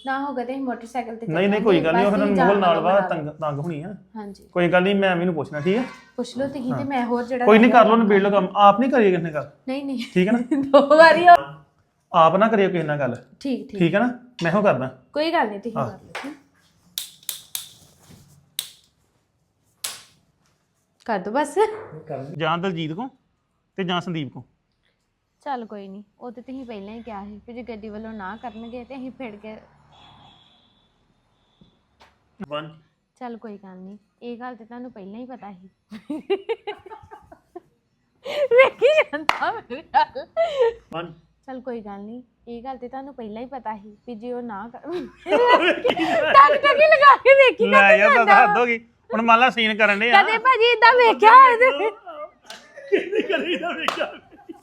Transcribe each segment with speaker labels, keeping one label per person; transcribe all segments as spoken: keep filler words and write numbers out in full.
Speaker 1: ਨਾ ਹੋਗਾ ਤੇ ਮੋਟਰਸਾਈਕਲ ਤੇ
Speaker 2: ਨਹੀਂ ਨਹੀਂ ਕੋਈ ਗੱਲ ਨਹੀਂ, ਉਹ ਫਿਰ ਮੋਹਲ ਨਾਲ ਵਾ ਤੰਗ ਤੰਗ ਹੋਣੀ ਆ।
Speaker 1: ਹਾਂਜੀ
Speaker 2: ਕੋਈ ਗੱਲ ਨਹੀਂ, ਮੈਂ ਮੈਨੂੰ ਪੁੱਛਣਾ ਠੀਕ ਹੈ।
Speaker 1: ਪੁੱਛ ਲਓ ਤੁਸੀਂ ਤੇ ਮੈਂ ਹੋਰ ਜਿਹੜਾ
Speaker 2: ਕੋਈ ਨਹੀਂ ਕਰ ਲਓ, ਨਿਬੇੜ ਲਓ ਕੰਮ, ਆਪ ਨਹੀਂ ਕਰੀਏ ਕਿਸੇ ਨਾਲ ਗੱਲ।
Speaker 1: ਨਹੀਂ ਨਹੀਂ
Speaker 2: ਠੀਕ ਹੈ ਨਾ,
Speaker 1: ਦੋ ਵਾਰੀ
Speaker 2: ਆਪ ਨਾ ਕਰਿਓ ਕਿਸੇ ਨਾਲ ਗੱਲ।
Speaker 1: ਠੀਕ ਠੀਕ
Speaker 2: ਠੀਕ ਹੈ ਨਾ, ਮੈਂ ਹੋ ਕਰਦਾ।
Speaker 1: ਕੋਈ ਗੱਲ ਨਹੀਂ, ਤੁਸੀਂ ਕਰ ਲਓ ਕਰ ਦੋ ਬਸ।
Speaker 2: ਜਾਂ ਦਲਜੀਤ ਕੋ ਤੇ ਜਾਂ ਸੰਦੀਪ ਕੋ।
Speaker 1: ਚੱਲ ਕੋਈ ਨਹੀਂ, ਉਹ ਤੇ ਤੁਸੀਂ ਪਹਿਲਾਂ ਹੀ ਕਿਹਾ ਸੀ ਕਿ ਜੇ ਗੱਡੀ ਵੱਲੋਂ ਨਾ ਕਰਨਗੇ ਤੇ ਅਸੀਂ ਫਿਰ ਕੇ ਚੱਲ ਕੋਈ ਗੱਲ ਨਹੀਂ, ਇਹ ਗੱਲ ਤੇ ਤੁਹਾਨੂੰ ਪਹਿਲਾਂ ਹੀ ਪਤਾ ਸੀ। ਵੇਖੀ ਜਾਂਦਾ ਮੇਰੇ ਨਾਲ। ਚੱਲ ਕੋਈ ਗੱਲ ਨਹੀਂ, ਇਹ ਗੱਲ ਤੇ ਤੁਹਾਨੂੰ ਪਹਿਲਾਂ ਹੀ ਪਤਾ ਸੀ ਕਿ ਜੇ ਉਹ ਨਾ ਕਰ ਟਕ ਟਕ ਹੀ ਲਗਾ ਕੇ ਵੇਖੀ
Speaker 2: ਲੈ ਯਾਰ ਦੱਸ ਹੱਦ ਹੋ ਗਈ ਹੁਣ। ਮੰਨ ਲਾ ਸੀਨ ਕਰਨ ਦੇ ਆ
Speaker 1: ਕਦੇ ਭਾਜੀ ਇਦਾਂ ਵੇਖਿਆ ਹੋਵੇ
Speaker 2: ਕਿੰਨੀ ਕਰੀ ਨਾ ਵੇਖਿਆ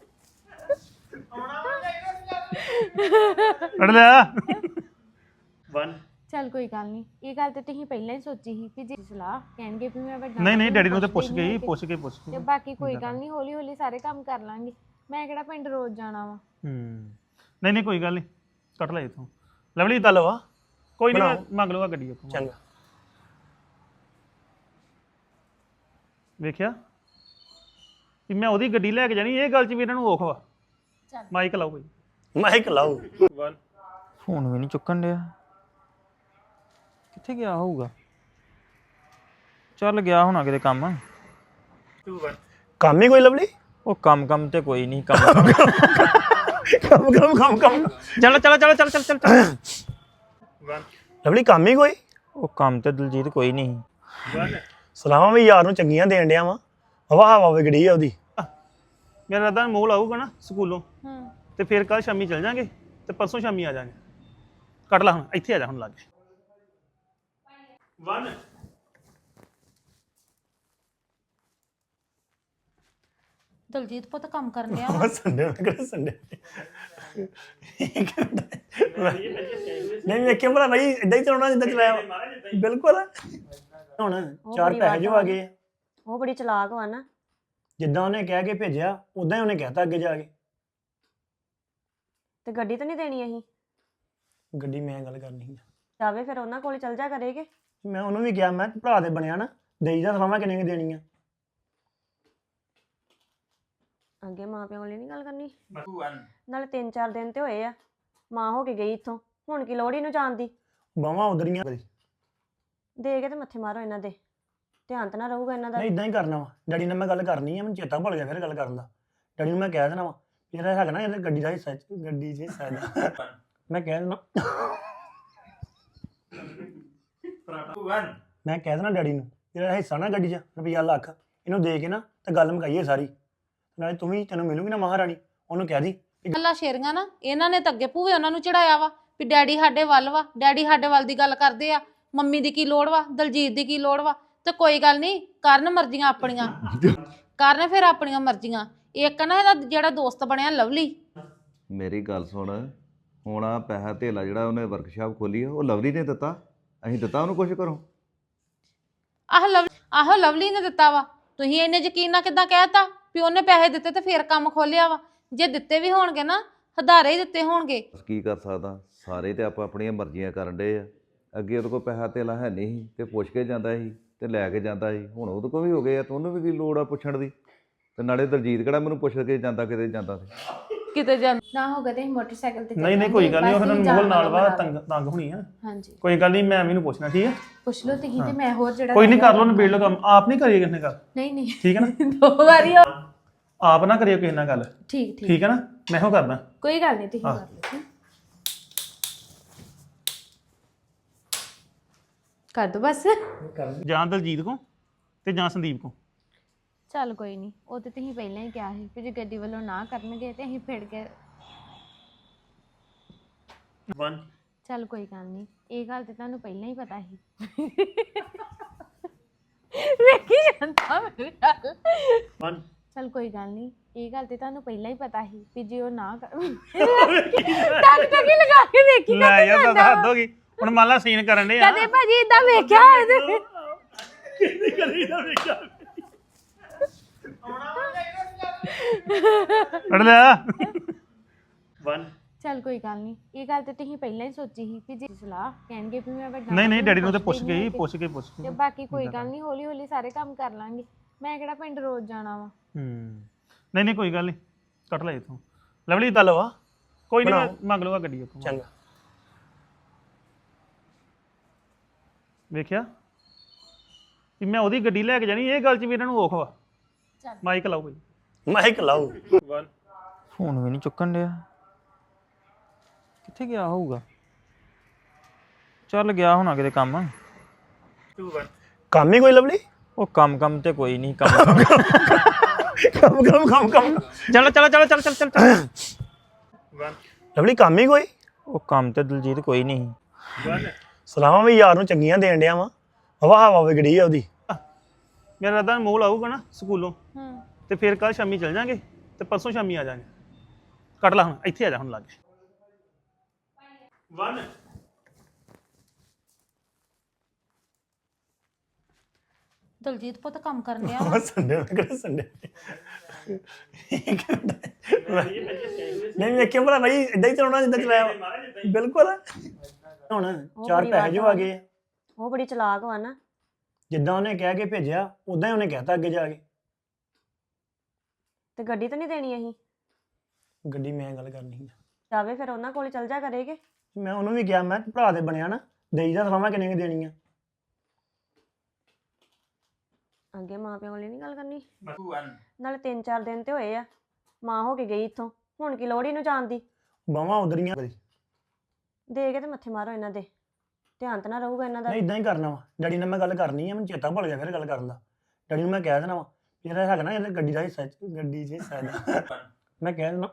Speaker 2: ਅੜ ਲਿਆ ਵਨ।
Speaker 1: ਚੱਲ ਕੋਈ ਗੱਲ ਨਹੀਂ, ਇਹ ਗੱਲ ਤੇ ਤੁਸੀਂ ਪਹਿਲਾਂ ਹੀ ਸੋਚੀ ਸੀ ਕਿ ਜੇ ਸਲਾਹ ਕਹਿਣਗੇ ਵੀ ਮੈਂ ਵੱਡਾ
Speaker 2: ਨਹੀਂ ਨਹੀਂ ਡੈਡੀ ਨੂੰ ਤੇ ਪੁੱਛ ਗਈ, ਪੁੱਛ ਕੇ ਪੁੱਛ ਕੇ
Speaker 1: ਤੇ ਬਾਕੀ ਕੋਈ ਗੱਲ ਨਹੀਂ, ਹੌਲੀ ਹੌਲੀ ਸਾਰੇ ਕੰਮ ਕਰ ਲਾਂਗੇ। ਮੈਂ ਕਿਹੜਾ ਪਿੰਡ ਰੋਜ਼ ਜਾਣਾ ਵਾ।
Speaker 2: ਹੂੰ ਨਹੀਂ ਨਹੀਂ ਕੋਈ ਗੱਲ ਨਹੀਂ, ਕੱਟ ਲੈ ਇਥੋਂ। ਲਵਲੀ ਤਾਂ ਲਵਾ ਕੋਈ ਨਹੀਂ, ਮੰਗ ਲਊਗਾ ਗੱਡੀ ਉੱਥੋਂ। ਚੰਗਾ ਵੇਖਿਆ ਵੀ ਮੈਂ ਉਹਦੀ ਗੱਡੀ ਲੈ ਕੇ ਜਾਣੀ, ਇਹ ਗੱਲ 'ਚ ਵੀ ਇਹਨਾਂ ਨੂੰ ਔਖ ਵਾ। ਮਾਈਕ ਲਾਓ ਕੋਈ,
Speaker 3: ਮਾਈਕ ਲਾਓ।
Speaker 4: ਫੋਨ ਵੀ ਨਹੀਂ ਚੁੱਕਣ ਡਿਆ, ਕਿੱਥੇ ਗਿਆ ਹੋਊਗਾ? ਚੱਲ ਗਿਆ ਹੋਣਾ ਕਿਤੇ ਕੰਮ।
Speaker 3: ਕੰਮ ਹੀ ਕੋਈ ਲਵਲੀ?
Speaker 4: ਉਹ ਕੰਮ ਕੰਮ ਤੇ ਕੋਈ ਨਹੀਂ, ਕੰਮ
Speaker 3: ਕੰਮ ਕੰਮ ਕੰਮ ਕੰਮ
Speaker 4: ਚੱਲ ਚੱਲ ਚੱਲ ਚੱਲ ਚੱਲ ਚੱਲ
Speaker 3: ਲਵਲੀ ਕੰਮ ਹੀ ਕੋਈ?
Speaker 4: ਉਹ ਕੰਮ ਤੇ ਦਲਜੀਤ ਕੋਈ ਨਹੀਂ।
Speaker 3: ਸਲਾਮਾਂ ਵੀ ਯਾਰ ਨੂੰ ਚੰਗੀਆਂ ਦੇਣ ਡਿਆ ਵਾ। ਹਵਾ ਹਵਾ ਵਿਗੜੀ ਆ ਉਹਦੀ।
Speaker 2: ਮੇਰਾ ਰਦਾ ਮੋਲ ਆਊਗਾ ਨਾ ਸਕੂਲੋਂ ਤੇ ਫਿਰ ਕੱਲ ਸ਼ਾਮੀ ਚੱਲ ਜਾਾਂਗੇ ਤੇ ਪਰਸੋਂ ਸ਼ਾਮੀ ਆ ਜਾਾਂਗੇ। ਕੱਟ ਲਾ ਹੁਣ, ਇੱਥੇ ਆ ਜਾ ਹੁਣ ਲਾਗੇ। ਵਨ
Speaker 1: ਦਲਜੀਤ ਪੁੱਤ ਕੰਮ ਕਰਨ ਡਿਆ
Speaker 3: ਸੰਡੇ ਨੂੰ ਕਿਹੜਾ ਸੰਡੇ ਨਹੀਂ ਵੇਖਿਆ ਭਲਾ ਭਾਈ ਇਦਾਂ ਹੀ ਚਲਾਉਣਾ ਜਿੱਦਾਂ ਚਲਾਇਆ ਬਿਲਕੁਲ। ਹੁਣ ਚਾਰ ਪੈਸੇ ਜੋ ਆ ਗਏ,
Speaker 5: ਉਹ ਬੜੀ ਚਲਾਕ ਵਾ ਨਾ।
Speaker 3: ਜਿੱਦਾਂ ਉਹਨੇ ਕਹਿ ਕੇ ਭੇਜਿਆ ਉਦਾਂ ਹੀ ਉਹਨੇ ਕਹਿਤਾ ਅੱਗੇ ਜਾ ਕੇ।
Speaker 5: ਤੇ ਗੱਡੀ ਤਾਂ ਨਹੀਂ ਦੇਣੀ ਅਸੀਂ?
Speaker 3: ਗੱਡੀ ਮੈਂ ਗੱਲ ਕਰਨੀ ਆ।
Speaker 5: ਜਾਵੇ ਫਿਰ ਉਹਨਾਂ ਕੋਲ ਚੱਲ ਜਾ ਕਰੇਗੇ।
Speaker 3: ਮੈਂ ਉਹਨੂੰ ਵੀ ਕਿਹਾ, ਮੈਂ ਭਰਾ ਦੇ ਬਣਿਆ ਨਾ, ਦੇਈ ਜਾ ਸਲਾਮਾਂ ਕਿੰਨੇ ਦੇਣੀਆਂ।
Speaker 5: ਅੱਗੇ ਮਾਂ ਪਿਓ ਵਾਲੀ ਨਹੀਂ ਗੱਲ ਕਰਨੀ। ਨਾਲੇ ਤਿੰਨ ਚਾਰ ਦਿਨ ਤੇ ਹੋਏ ਆ, ਮਾਂ ਹੋ ਕੇ ਗਈ ਇੱਥੋਂ, ਹੁਣ ਕੀ ਲੋੜ ਇਹਨੂੰ ਜਾਣ ਦੀ?
Speaker 3: ਬਾਵਾਂ ਉਧਰੀਆਂ
Speaker 5: ਦੇ ਕੇ ਤੇ ਮੱਥੇ ਮਾਰੋ ਇਹਨਾਂ ਦੇ, ਧਿਆਨ ਤਾਂ ਨਾ ਰਹੂਗਾ ਇਹਨਾਂ ਦਾ।
Speaker 3: ਨਹੀਂ ਇਦਾਂ ਹੀ ਕਰਨਾ ਵਾ। ਡੈਡੀ ਨਾਲ ਮੈਂ ਗੱਲ ਕਰਨੀ ਆ, ਮੈਨੂੰ ਚੇਤਾ ਭੁੱਲ ਗਿਆ ਫਿਰ ਗੱਲ ਕਰਨ ਦਾ। ਡੈਡੀ ਨੂੰ ਮੈਂ ਕਹਿ ਦੇਣਾ ਵਾ ਜਿਹੜਾ ਹੈਗਾ ਨਾ ਇਹਦਾ ਗੱਡੀ ਦਾ ਹਿੱਸਾ, ਗੱਡੀ 'ਚ ਹਿੱਸਾ ਇਹਦਾ। ਮੈਂ ਕਹਿ ਦੇਣਾ ਮੈਂ ਕਹਿ ਦੇਣਾ ਡੈਡੀ ਨੂੰ ਜਿਹੜਾ ਹਿੱਸਾ ਨਾ ਗੱਡੀ 'ਚ ਰੁਪਈਆ ਲੱਖ, ਇਹਨੂੰ ਦੇ ਕੇ ਨਾ ਤੇ ਗੱਲ ਮੁਕਾਈਏ ਸਾਰੀ। ਨਾਲੇ ਤੂੰ ਵੀ, ਤੈਨੂੰ ਮਿਲੂਗੀ ਨਾ ਮਹਾਰਾਣੀ, ਉਹਨੂੰ ਕਹਿ ਦੀ
Speaker 6: ਗੱਲਾਂ ਸ਼ੇਰੀਆਂ ਨਾ ਇਹਨਾਂ ਨੇ ਤਾਂ ਅੱਗੇ ਭੂਵੇ ਉਹਨਾਂ ਨੂੰ ਚੜਾਇਆ ਵਾ ਵੀ ਡੈਡੀ ਸਾਡੇ ਵੱਲ ਵਾ, ਡੈਡੀ ਸਾਡੇ ਵੱਲ ਦੀ ਗੱਲ ਕਰਦੇ ਆ। ਮੰਮੀ ਦੀ ਕੀ ਲੋੜ ਵਾ, ਦਲਜੀਤ ਦੀ ਕੀ ਲੋੜ ਵਾ? ਤੇ ਕੋਈ ਗੱਲ ਨਹੀਂ, ਕਰਨ ਮਰਜ਼ੀਆਂ ਆਪਣੀਆਂ, ਕਰਨ ਫਿਰ ਆਪਣੀਆਂ ਮਰਜ਼ੀਆਂ। ਇੱਕ ਨਾ ਇਹਦਾ ਜਿਹੜਾ ਦੋਸਤ ਬਣਿਆ ਲਵਲੀ,
Speaker 7: ਮੇਰੀ ਗੱਲ ਸੁਣ, ਹੁਣ ਆ ਪੈਸਾ ਧੇਲਾ ਜਿਹੜਾ ਉਹਨੇ ਵਰਕਸ਼ਾਪ ਖੋਲੀ ਆ ਉਹ ਲਵਲੀ ਨੇ ਦਿੱਤਾ? ਅਸੀਂ ਦਿੱਤਾ ਉਹਨੂੰ ਕੁਛ ਕਰੋ?
Speaker 6: ਆਹ ਲਵ ਆਹੋ ਲਵਲੀ ਨੇ ਦਿੱਤਾ ਵਾ। ਤੁਸੀਂ ਇੰਨੇ ਯਕੀਨ ਨਾਲ ਕਿੱਦਾਂ ਕਹਿਤਾ ਵੀ ਉਹਨੇ ਪੈਸੇ ਦਿੱਤੇ ਤੇ ਫਿਰ ਕੰਮ ਖੋਲਿਆ ਵਾ? ਜੇ ਦਿੱਤੇ ਵੀ ਹੋਣਗੇ ਨਾ, ਹਦਾਰੇ ਹੀ ਦਿੱਤੇ ਹੋਣਗੇ।
Speaker 7: ਕੀ ਕਰ ਸਕਦਾ, ਸਾਰੇ ਤੇ ਆਪਾਂ ਆਪਣੀਆਂ ਮਰਜ਼ੀਆਂ ਕਰਨ ਡੇ ਆ। ਅੱਗੇ ਉਹਦੇ ਕੋਲ ਪੈਸਾ ਧੇਲਾ ਹੈ ਨਹੀਂ ਸੀ ਤੇ ਪੁੱਛ ਕੇ ਜਾਂਦਾ ਸੀ ਤੇ ਲੈ ਕੇ ਜਾਂਦਾ ਸੀ, ਹੁਣ ਉਹਦੇ ਕੋਲ ਵੀ ਹੋ ਗਏ ਆ ਤੇ ਉਹਨੂੰ ਵੀ ਕੀ ਲੋੜ ਆ ਪੁੱਛਣ ਦੀ? ਤੇ ਨਾਲੇ ਦਲਜੀਤ ਕਿਹੜਾ ਮੈਨੂੰ ਪੁੱਛ ਕੇ ਜਾਂਦਾ ਕਿਤੇ ਜਾਂਦਾ ਸੀ
Speaker 1: ਕਿਤੇ ਜਾਂ ਨਾ ਹੋਗਾ ਤੇ ਮੋਟਰਸਾਈਕਲ ਤੇ
Speaker 2: ਨਹੀਂ ਨਹੀਂ ਕੋਈ ਗੱਲ ਨਹੀਂ, ਉਹ ਫਿਰ ਮੋਹਲ ਨਾਲ ਵਾ ਤੰਗ ਤੰਗ ਹੋਣੀ ਆ।
Speaker 1: ਹਾਂਜੀ
Speaker 2: ਕੋਈ ਗੱਲ ਨਹੀਂ, ਮੈਂ ਮੈਨੂੰ ਪੁੱਛਣਾ ਠੀਕ ਹੈ।
Speaker 1: ਪੁੱਛ ਲਓ ਤੁਸੀਂ ਤੇ ਮੈਂ ਹੋਰ ਜਿਹੜਾ
Speaker 2: ਕੋਈ ਨਹੀਂ ਕਰ ਲਓ, ਨਿਬੇੜ ਲਓ ਕੰਮ, ਆਪ ਨਹੀਂ ਕਰੀਏ ਕਿਸੇ ਨਾਲ ਗੱਲ।
Speaker 1: ਨਹੀਂ ਨਹੀਂ
Speaker 2: ਠੀਕ ਹੈ ਨਾ,
Speaker 1: ਦੋ ਵਾਰੀ
Speaker 2: ਆਪ ਨਾ ਕਰਿਓ ਕਿਸੇ ਨਾਲ ਗੱਲ।
Speaker 1: ਠੀਕ ਠੀਕ
Speaker 2: ਠੀਕ ਹੈ ਨਾ, ਮੈਂ ਹੋ ਕਰਦਾ।
Speaker 1: ਕੋਈ ਗੱਲ ਨਹੀਂ, ਤੁਸੀਂ ਕਰ ਲਓ ਕਰ ਦੋ ਬਸ।
Speaker 2: ਜਾਂ ਦਲਜੀਤ ਕੋ ਤੇ ਜਾਂ ਸੰਦੀਪ ਕੋ।
Speaker 1: ਚੱਲ ਕੋਈ ਨਹੀਂ, ਉਹ ਤੇ ਤੁਸੀਂ ਪਹਿਲਾਂ ਹੀ ਕਿਹਾ ਸੀ ਕਿ ਜੇ ਗੱਡੀ ਵੱਲੋਂ ਨਾ ਕਰਨਗੇ ਤੇ ਅਸੀਂ ਫਿਰ ਕੇ
Speaker 2: ਵਨ
Speaker 1: ਚੱਲ ਕੋਈ ਗੱਲ ਨਹੀਂ, ਇਹ ਗੱਲ ਤੇ ਤੁਹਾਨੂੰ ਪਹਿਲਾਂ ਹੀ ਪਤਾ ਸੀ। ਵੇਖੀ ਜਾਂਦਾ ਮੇਰੇ ਨਾਲ।
Speaker 2: ਵਨ
Speaker 1: ਚੱਲ ਕੋਈ ਗੱਲ ਨਹੀਂ, ਇਹ ਗੱਲ ਤੇ ਤੁਹਾਨੂੰ ਪਹਿਲਾਂ ਹੀ ਪਤਾ ਸੀ ਕਿ ਜੇ ਉਹ ਨਾ ਕਰ ਟਕ ਟਕ ਹੀ ਲਗਾ ਕੇ ਵੇਖੀ
Speaker 2: ਲੈ ਯਾਰ ਦੱਸ ਹੱਦ ਹੋ ਗਈ ਹੁਣ। ਮੰਨ ਲਾ ਸੀਨ ਕਰਨ ਦੇ ਆ।
Speaker 1: ਕਦੇ ਭਾਜੀ ਇਦਾਂ ਵੇਖਿਆ ਹੋਵੇ
Speaker 2: ਕਿੰਨੀ ਕਰੀ ਨਾ ਵੇਖਿਆ ਅੜ ਲਿਆ ਵਨ।
Speaker 1: ਚੱਲ ਕੋਈ ਗੱਲ ਨਹੀਂ ਇਹ ਗੱਲ ਤੇ ਤੁਸੀਂ ਪਹਿਲਾਂ ਹੀ ਸੋਚੀ ਸੀ ਵੀ ਜੇ ਸਲਾਹ ਕਹਿਣਗੇ ਵੀ ਮੈਂ ਵੱਡਾ
Speaker 2: ਨਹੀਂ ਨਹੀਂ
Speaker 1: ਵਾਂ,
Speaker 2: ਡੈਡੀ ਨੂੰ ਤਾਂ
Speaker 1: ਪੁੱਛਦੇ
Speaker 2: ਪੁੱਛ ਕੇ ਹੀ
Speaker 1: ਨਹੀਂ
Speaker 2: ਪੁੱਛ ਕੇ ਪੁੱਛ ਕੇ
Speaker 1: ਤੇ ਬਾਕੀ ਕੋਈ ਗੱਲ ਨਹੀਂ ਹੌਲੀ ਹੌਲੀ ਸਾਰੇ ਕੰਮ ਕਰ ਲਾਂਗੇ ਮੈਂ ਕਿਹੜਾ ਪਿੰਡ ਰੋਜ਼ ਜਾਣਾ ਵਾ
Speaker 2: ਹੂੰ ਨਹੀਂ ਨਹੀਂ ਕੋਈ ਗੱਲ ਨਹੀਂ ਕੱਟ ਲੈ ਇਥੋਂ ਲਵਲੀ ਤਾਂ ਲਵਾ ਕੋਈ ਨਹੀਂ ਮੈਂ ਮੰਗ ਲਊਗਾ ਗੱਡੀ ਉੱਥੋਂ
Speaker 3: ਚੰਗਾ
Speaker 2: ਵੇਖਿਆ ਕਿ ਮੈਂ ਉਹਦੀ ਗੱਡੀ ਲੈ ਕੇ ਜਾਣੀ ਇਹ ਗੱਲ 'ਚ ਵੀ ਇਹਨਾਂ ਨੂੰ ਔਖ ਵਾ
Speaker 1: ਚੱਲ।
Speaker 2: ਮਾਈਕ ਲਾਓ ਕੋਈ
Speaker 3: ਮਾਈਕ ਲਾਓ
Speaker 4: ਫੋਨ ਵੀ ਨਹੀਂ ਚੁੱਕਣ ਡਿਆ ਕਿੱਥੇ ਗਿਆ ਹੋਊਗਾ ਚੱਲ ਗਿਆ ਹੋਣਾ ਕਿਤੇ ਕੰਮ
Speaker 3: ਕੰਮ ਹੀ ਕੋਈ ਲਵਲੀ
Speaker 4: ਉਹ ਕੰਮ ਕੰਮ ਤੇ ਕੋਈ ਨਹੀਂ ਕੰਮ
Speaker 3: ਕੰਮ ਕੰਮ ਕੰਮ ਕੰਮ
Speaker 4: ਚੱਲ ਚੱਲ ਚੱਲ ਚੱਲ ਚੱਲ ਚੱਲ ਚੱਲ
Speaker 3: ਲਵਲੀ ਕੰਮ ਹੀ ਕੋਈ
Speaker 4: ਉਹ ਕੰਮ ਤੇ ਦਲਜੀਤ ਕੋਈ ਨਹੀਂ
Speaker 3: ਸਲਾਮਾਂ ਵੀ ਯਾਰ ਨੂੰ ਚੰਗੀਆਂ ਦੇਣ ਡਿਆ ਵਾ ਹਵਾ ਹਵਾ ਵਿਗੜੀ ਆ ਉਹਦੀ
Speaker 2: ਮੇਰਾ ਰਦਾ ਮੋਲ ਆਊਗਾ ਨਾ ਸਕੂਲੋਂ
Speaker 1: ਹੂੰ
Speaker 2: ਤੇ ਫਿਰ ਕੱਲ ਸ਼ਾਮੀ ਚੱਲ ਜਾਾਂਗੇ ਤੇ ਪਰਸੋਂ ਸ਼ਾਮੀ ਆ ਜਾਾਂਗੇ ਕੱਟ ਲਾ ਹੁਣ ਇੱਥੇ ਆ ਜਾ ਹੁਣ ਲਾਗੇ ਵਨ
Speaker 6: ਦਲਜੀਤ ਪੁੱਤ ਕੰਮ ਕਰਨ ਡਿਆ
Speaker 3: ਉਹ ਸੰਡੇ ਨੂੰ ਕਿਹੜਾ ਸੰਡੇ ਨਹੀਂ ਵੇਖਿਆ ਭਲਾ ਭਾਈ ਇਦਾਂ ਹੀ ਚਲਾਉਣਾ ਜਿੱਦਾਂ ਚਲਾਇਆ ਵਾ। ਬਿਲਕੁਲ ਹੁਣ ਚਾਰ
Speaker 5: ਬੜੀ
Speaker 3: ਪੈਸੇ ਜੋ ਆ ਗਏ ਆ।
Speaker 5: ਉਹ ਬੜੀ ਚਲਾਕ ਵਾ ਨਾ
Speaker 3: ਜਿੱਦਾਂ ਉਹਨੇ ਕਹਿ ਕੇ ਭੇਜਿਆ ਉਦਾਂ ਹੀ ਉਹਨੇ ਕਹਿਤਾ ਅੱਗੇ ਜਾ ਕੇ
Speaker 5: ਤੇ ਗੱਡੀ ਤਾਂ ਨਹੀਂ ਦੇਣੀ ਅਸੀਂ
Speaker 3: ਗੱਡੀ ਮੈਂ ਗੱਲ ਕਰਨੀ ਆ
Speaker 5: ਜਾਵੇ ਫਿਰ ਉਹਨਾਂ ਕੋਲ ਚੱਲ ਜਾ ਕਰੇਗੇ
Speaker 3: ਮੈਂ ਉਹਨੂੰ ਵੀ ਕਿਹਾ ਮੈਂ ਕਿਹਾ ਭਰਾ ਦੇ ਬਣਿਆ ਨਾ ਦੇਈ ਦਾ ਸਲਾਮਾਂ ਕਿੰਨੇ ਕੁ ਦੇਣੀਆਂ
Speaker 5: ਅੱਗੇ ਮਾਂ ਪਿਓ ਵਾਲੀ ਨਹੀਂ ਗੱਲ ਕਰਨੀ ਨਾਲੇ ਤਿੰਨ ਚਾਰ ਦਿਨ ਤੇ ਹੋਏ ਆ ਮਾਂ ਹੋ ਕੇ ਗਈ ਇੱਥੋਂ ਹੁਣ ਕੀ ਲੋੜ ਇਹਨੂੰ ਜਾਣ ਦੀ
Speaker 3: ਬਾਵਾਂ ਉਧਰੀਆਂ
Speaker 5: ਦੇ ਕੇ ਤੇ ਮੱਥੇ ਮਾਰੋ ਇਹਨਾਂ ਦੇ ਧਿਆਨ ਤਾਂ ਨਾ ਰਹੂਗਾ ਇਹਨਾਂ ਦਾ
Speaker 3: ਨਹੀਂ ਇਦਾਂ ਹੀ ਕਰਨਾ ਵਾ ਡੈਡੀ ਨਾਲ ਮੈਂ ਗੱਲ ਕਰਨੀ ਆ ਮੈਨੂੰ ਚੇਤਾ ਭੁੱਲ ਗਿਆ ਫਿਰ ਗੱਲ ਕਰਨ ਦਾ ਡੈਡੀ ਨੂੰ ਮੈਂ ਕਹਿ ਦੇਣਾ ਵਾ ਵੀ ਜਿਹੜਾ ਹੈਗਾ ਨਾ ਇਹਦੇ ਗੱਡੀ ਦਾ ਹਿੱਸਾ ਗੱਡੀ 'ਚ ਹਿੱਸਾ ਇਹਦਾ ਮੈਂ ਕਹਿ ਦੇਣਾ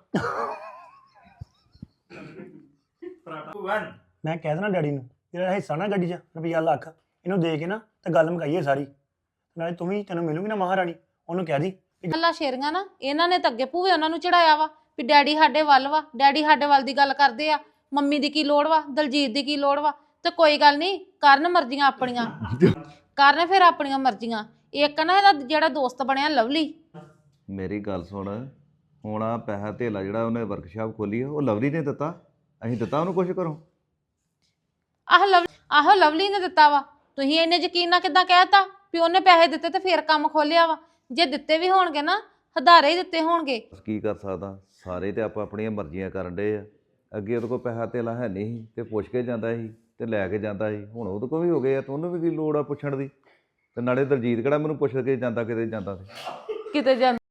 Speaker 3: ਮੈਂ ਕਹਿ ਦੇਣਾ ਡੈਡੀ ਨੂੰ ਜਿਹੜਾ ਹਿੱਸਾ ਨਾ ਗੱਡੀ 'ਚ ਰੁਪਈਆ ਲੱਖ ਇਹਨੂੰ ਦੇ ਕੇ ਨਾ ਤੇ ਗੱਲ ਮੁਕਾਈਏ ਸਾਰੀ ਨਾਲੇ ਤੂੰ ਵੀ ਤੈਨੂੰ ਮਿਲੂਗੀ ਨਾ ਮਹਾਰਾਣੀ ਉਹਨੂੰ ਕਹਿ ਦੀ
Speaker 6: ਗੱਲਾਂ ਸ਼ੇਰੀਆਂ ਨਾ ਇਹਨਾਂ ਨੇ ਤਾਂ ਅੱਗੇ ਭੂਵੇ ਉਹਨਾਂ ਨੂੰ ਚੜਾਇਆ ਵਾ ਵੀ ਡੈਡੀ ਸਾਡੇ ਵੱਲ ਵਾ ਡੈਡੀ ਸਾਡੇ ਵੱਲ ਦੀ ਗੱਲ ਕਰਦੇ ਆ ਮੰਮੀ ਦੀ ਕੀ ਲੋੜ ਵਾ ਦਲਜੀਤ ਦੀ ਕੀ ਲੋੜ ਵਾ ਤੇ ਕੋਈ ਗੱਲ ਨਹੀਂ ਕਰਨ ਮਰਜ਼ੀਆਂ ਆਪਣੀਆਂ ਕਰਨ ਫਿਰ ਆਪਣੀਆਂ ਮਰਜ਼ੀਆਂ ਇੱਕ ਨਾ ਇਹਦਾ ਜਿਹੜਾ ਦੋਸਤ ਬਣਿਆ ਲਵਲੀ
Speaker 7: ਮੇਰੀ ਗੱਲ ਸੁਣ ਹੁਣ ਆ ਪੈਸਾ ਧੇਲਾ ਜਿਹੜਾ ਉਹਨੇ ਵਰਕਸ਼ਾਪ ਖੋਲੀ ਆ ਉਹ ਲਵਲੀ ਨੇ ਦਿੱਤਾ ਅਸੀਂ ਦਿੱਤਾ ਉਹਨੂੰ ਕੁਛ ਕਰੋ
Speaker 6: ਆਹ ਲਵ ਆਹੋ ਲਵਲੀ ਨੇ ਦਿੱਤਾ ਵਾ ਤੁਸੀਂ ਇੰਨੇ ਯਕੀਨ ਨਾਲ ਕਿੱਦਾਂ ਕਹਿਤਾ ਵੀ ਉਹਨੇ ਪੈਸੇ ਦਿੱਤੇ ਤੇ ਫਿਰ ਕੰਮ ਖੋਲਿਆ ਵਾ ਜੇ ਦਿੱਤੇ ਵੀ ਹੋਣਗੇ ਨਾ ਹਦਾਰੇ ਹੀ ਦਿੱਤੇ ਹੋਣਗੇ
Speaker 7: ਕੀ ਕਰ ਸਕਦਾ ਸਾਰੇ ਤੇ ਆਪਾਂ ਆਪਣੀਆਂ ਮਰਜ਼ੀਆਂ ਕਰਨ ਡੇ ਆ ਅੱਗੇ ਉਹਦੇ ਕੋਲ ਪੈਸਾ ਧੇਲਾ ਹੈ ਨਹੀਂ ਸੀ ਤੇ ਪੁੱਛ ਕੇ ਜਾਂਦਾ ਸੀ ਤੇ ਲੈ ਕੇ ਜਾਂਦਾ ਸੀ ਹੁਣ ਉਹਦੇ ਕੋਲ ਵੀ ਹੋ ਗਏ ਆ ਤੇ ਉਹਨੂੰ ਵੀ ਕੀ ਲੋੜ ਆ ਪੁੱਛਣ ਦੀ ਤੇ ਨਾਲੇ ਦਲਜੀਤ ਕਿਹੜਾ ਮੈਨੂੰ ਪੁੱਛ ਕੇ ਜਾਂਦਾ ਕਿਤੇ ਜਾਂਦਾ ਸੀ
Speaker 6: ਕਿਤੇ ਜਾਂ